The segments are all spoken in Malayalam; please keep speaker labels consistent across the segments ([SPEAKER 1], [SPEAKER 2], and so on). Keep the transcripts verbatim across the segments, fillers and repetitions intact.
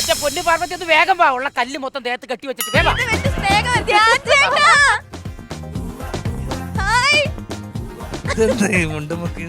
[SPEAKER 1] എന്റെ പൊന്നു പാർവതി ഒന്ന് വേഗം വാ. ഉള്ള കല്ല് മൊത്തം ദേഹത്ത് കെട്ടി വെച്ചിട്ട് വേഗം വാ.
[SPEAKER 2] ഇത് വെച്ച് സ്നേഹം ധ്യാൻ ചേട്ടാ. ഹായ്.
[SPEAKER 3] ഇതെന്താ ഈ മുണ്ടുമുക്കി?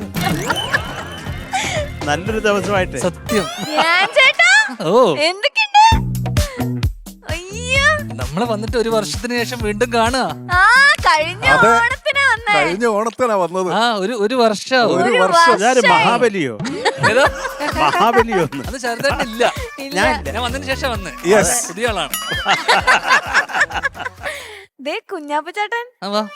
[SPEAKER 4] നല്ലൊരു ദിവസമായിട്ട്
[SPEAKER 3] സത്യം.
[SPEAKER 2] ധ്യാൻ ചേട്ടാ
[SPEAKER 3] ഓ
[SPEAKER 2] എന്തൊക്കെയുണ്ട്? അയ്യോ
[SPEAKER 3] നമ്മളെ വന്നിട്ട് ഒരു വർഷത്തിന് ശേഷം വീണ്ടും കാണുക.
[SPEAKER 2] ആ കഴിഞ്ഞ
[SPEAKER 5] അതെ.
[SPEAKER 2] ഓണത്തിനാ വന്നേ.
[SPEAKER 5] കഴിഞ്ഞ ഓണത്തിനാ വന്നത്.
[SPEAKER 3] ആ ഒരു ഒരു വർഷം
[SPEAKER 5] ഒരു
[SPEAKER 2] ഒരു
[SPEAKER 5] വർഷം.
[SPEAKER 2] വർഷം.
[SPEAKER 4] ഞാൻ മഹാബലിയോ
[SPEAKER 3] ഏതോ
[SPEAKER 4] മഹാബലിയോ ഒന്ന്
[SPEAKER 3] അത് ചെറുതായിട്ടില്ല.
[SPEAKER 2] ഇല്ല.
[SPEAKER 3] ഞാൻ ഞാൻ വന്നതിന് ശേഷം വന്ന്
[SPEAKER 5] Yes.
[SPEAKER 3] പുതിയ ആളാണ്.
[SPEAKER 2] ദേ കുഞ്ഞാപ്പ ചേട്ടൻ
[SPEAKER 3] ആ വാ.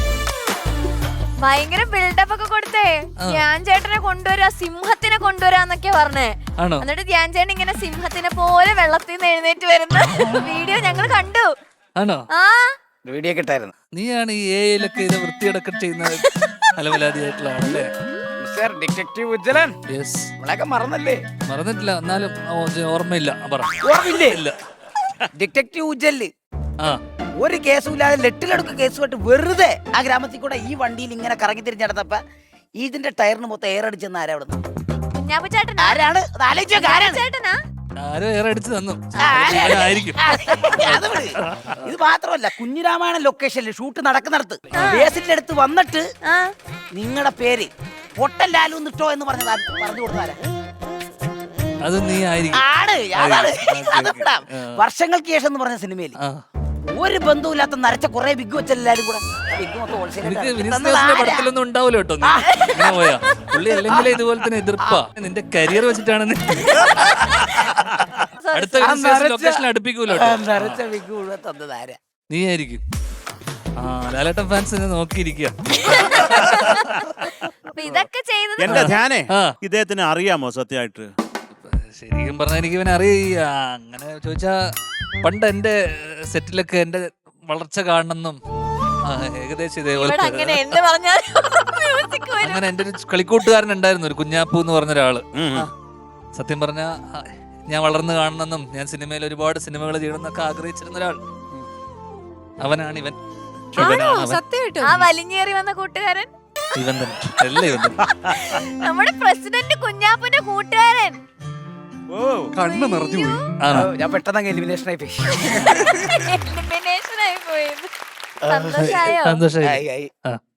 [SPEAKER 2] ഭയങ്കര ബിൽഡപ്പ് ഒക്കെ കൊടുത്തേ. ധ്യാൻ ചേട്ടനെ കൊണ്ടുവരാ, സിംഹത്തിനെ കൊണ്ടുവരാന്നൊക്കെ പറഞ്ഞേ.
[SPEAKER 3] ആണോ?
[SPEAKER 2] എന്നിട്ട് ധ്യാൻ ചേട്ടൻ ഇങ്ങനെ സിംഹത്തിനെ പോലെ വെള്ളത്തിൽ നിന്ന് എഴുന്നേറ്റ് വരുന്ന വീഡിയോ ഞങ്ങൾ കണ്ടു.
[SPEAKER 3] ആണോ?
[SPEAKER 2] ആ
[SPEAKER 1] വീഡിയോ കിട്ടായിരുന്നു.
[SPEAKER 3] നീയാണ് ഈ എ ഐയിലൊക്കെ ഇത് വൃത്തിയടക്കം ചെയ്യുന്ന അലവലാതിയായിട്ടുള്ള ആളല്ലേ?
[SPEAKER 1] Mister detective Ujjalan,
[SPEAKER 3] yes.
[SPEAKER 1] നമ്മളെയൊക്കെ മറന്നല്ലേ?
[SPEAKER 3] മറന്നിട്ടില്ല, എന്നാലും ഓ, ഇത് ഓർമ്മയില്ല. ആ, പറ.
[SPEAKER 1] ഓർമ്മയില്ലേ?
[SPEAKER 3] ഇല്ല.
[SPEAKER 1] ഡിറ്റക്റ്റീവ് ഉജ്ജല്
[SPEAKER 3] ആ
[SPEAKER 1] ഒരു കേസും ഇല്ലാതെ ലെട്ടിലെടുക്ക് കേസുമായിട്ട് വെറുതെ ആ ഗ്രാമത്തിൽ കൂടെ ഈ വണ്ടിയിൽ ഇങ്ങനെ കറങ്ങി തിരിഞ്ഞ് നടന്നപ്പ ഇതിന്റെ ടയറിന് മൊത്തം എയർ അടിച്ചെന്ന് ആരാ അവിടെ?
[SPEAKER 2] കുഞ്ഞാപ്പ ചേട്ടനാ?
[SPEAKER 1] ആരാണ്? അത് ആലോചിച്ച് നോക്ക്, ആരാണ്?
[SPEAKER 2] ചേട്ടനാ?
[SPEAKER 3] ആരോ ഏറെ അടിച്ച് തന്നു.
[SPEAKER 1] ആ, ആരാ?
[SPEAKER 3] ആയിരിക്കും.
[SPEAKER 1] അത് വിട്. ഇത് മാത്രമല്ല, കുഞ്ഞിരാമായണ ലൊക്കേഷനിൽ ഷൂട്ട് നടക്കുന്നിടത്ത് ബേസിന്റെ അടുത്ത് വന്നിട്ട്
[SPEAKER 2] ആ
[SPEAKER 1] നിങ്ങളുടെ പേര് പൊട്ടൻ ലാലു നിട്ടോ എന്ന് പറഞ്ഞത് ആര് പറഞ്ഞു കൊടുത്താരാ?
[SPEAKER 3] അത് നീ ആയിരിക്കും.
[SPEAKER 1] ആണ്, അതാണ്.
[SPEAKER 3] Okay, okay.
[SPEAKER 1] അതെവിടാ? വർഷങ്ങൾക്ക് ശേഷം എന്ന് പറഞ്ഞ സിനിമയിൽ
[SPEAKER 3] ആ.
[SPEAKER 1] ഒരു ബന്ധവുമില്ലാത്ത നരച്ച കുറെ ബിഗ് വെച്ചെല്ലാരും കൂടെ ബിഗ് മൊത്തം
[SPEAKER 3] എനിക്ക്
[SPEAKER 1] wholesale
[SPEAKER 3] വിനീത്
[SPEAKER 1] തന്നത്
[SPEAKER 3] ദാസിന്റെ
[SPEAKER 1] ആരാ?
[SPEAKER 3] പടത്തിലൊന്നും ഉണ്ടാവില്ല കേട്ടോ. നീ ഇങ്ങനെ പോയാ പുള്ളി അല്ലെങ്കിലേ ഇതുപോലെ തന്നെ എതിർപ്പാ. നിന്റെ കരിയർ വെച്ചിട്ടാണ് നീ അടുത്ത
[SPEAKER 1] ആ നരച്ച-
[SPEAKER 3] ലൊക്കേഷനിൽ അടുപ്പിക്കൂല
[SPEAKER 1] ആ
[SPEAKER 3] കേട്ടോ.
[SPEAKER 1] നരച്ച ബിഗ് മുഴുവൻ തന്നത് ആരാ?
[SPEAKER 3] നീ ആയിരിക്കും. ആ ലാലേട്ടൻ ഫാൻസ് നോക്കിയിരിക്കുക.
[SPEAKER 2] അപ്പൊ ഇതൊക്കെ ചെയ്തത്
[SPEAKER 4] എന്റെ ധ്യാനേ
[SPEAKER 3] ആ.
[SPEAKER 4] ഇദ്ദേഹത്തിന് അറിയാമോ സത്യമായിട്ട്?
[SPEAKER 3] ശരിക്കും പറഞ്ഞാൽ എനിക്ക് ഇവനെ അറിയ അങ്ങനെ ചോദിച്ചാ പണ്ട് എന്റെ സെറ്റിലൊക്കെ എന്റെ വളർച്ച കാണണമെന്നും ആ, ഏകദേശം
[SPEAKER 2] ഇവിടെ
[SPEAKER 3] ഇതേപോലെ
[SPEAKER 2] അങ്ങനെ എന്ത് പറഞ്ഞാലും മ്യൂസിക് വരും.
[SPEAKER 3] അങ്ങനെ എന്റെ ഒരു കളിക്കൂട്ടുകാരൻ ഉണ്ടായിരുന്നു, ഒരു കുഞ്ഞാപ്പു എന്ന് പറഞ്ഞ ഒരാള്.
[SPEAKER 4] ഉം, ഉം.
[SPEAKER 3] സത്യം പറഞ്ഞ ഞാൻ വളർന്നു കാണണമെന്നും ഞാൻ സിനിമയിൽ ഒരുപാട് സിനിമകൾ ചെയ്യണമെന്നൊക്കെ ആഗ്രഹിച്ചിരുന്ന ഒരാൾ. അവനാണ് ഇവൻ. ഇവനാണ് അവൻ.
[SPEAKER 2] ആ വലിഞ്ഞേറി വന്ന കൂട്ടുകാരൻ
[SPEAKER 3] ഇവൻ തന്നെ. അല്ല ഇവൻ തന്നെ.
[SPEAKER 2] നമ്മുടെ പ്രസിഡന്റ് കുഞ്ഞാപ്പന്റെ കൂട്ടുകാരൻ.
[SPEAKER 4] ഓ
[SPEAKER 5] കണ്ണ് നിറഞ്ഞു പോയി.
[SPEAKER 3] ആണോ?
[SPEAKER 1] ഞാൻ പെട്ടെന്ന് എലിമിനേഷൻ ആയി പോയി.
[SPEAKER 2] എലിമിനേഷൻ ആയി പോയത്. സന്തോഷായോ?
[SPEAKER 3] സന്തോഷമായി.
[SPEAKER 1] ആയി, ആയി.
[SPEAKER 3] ആ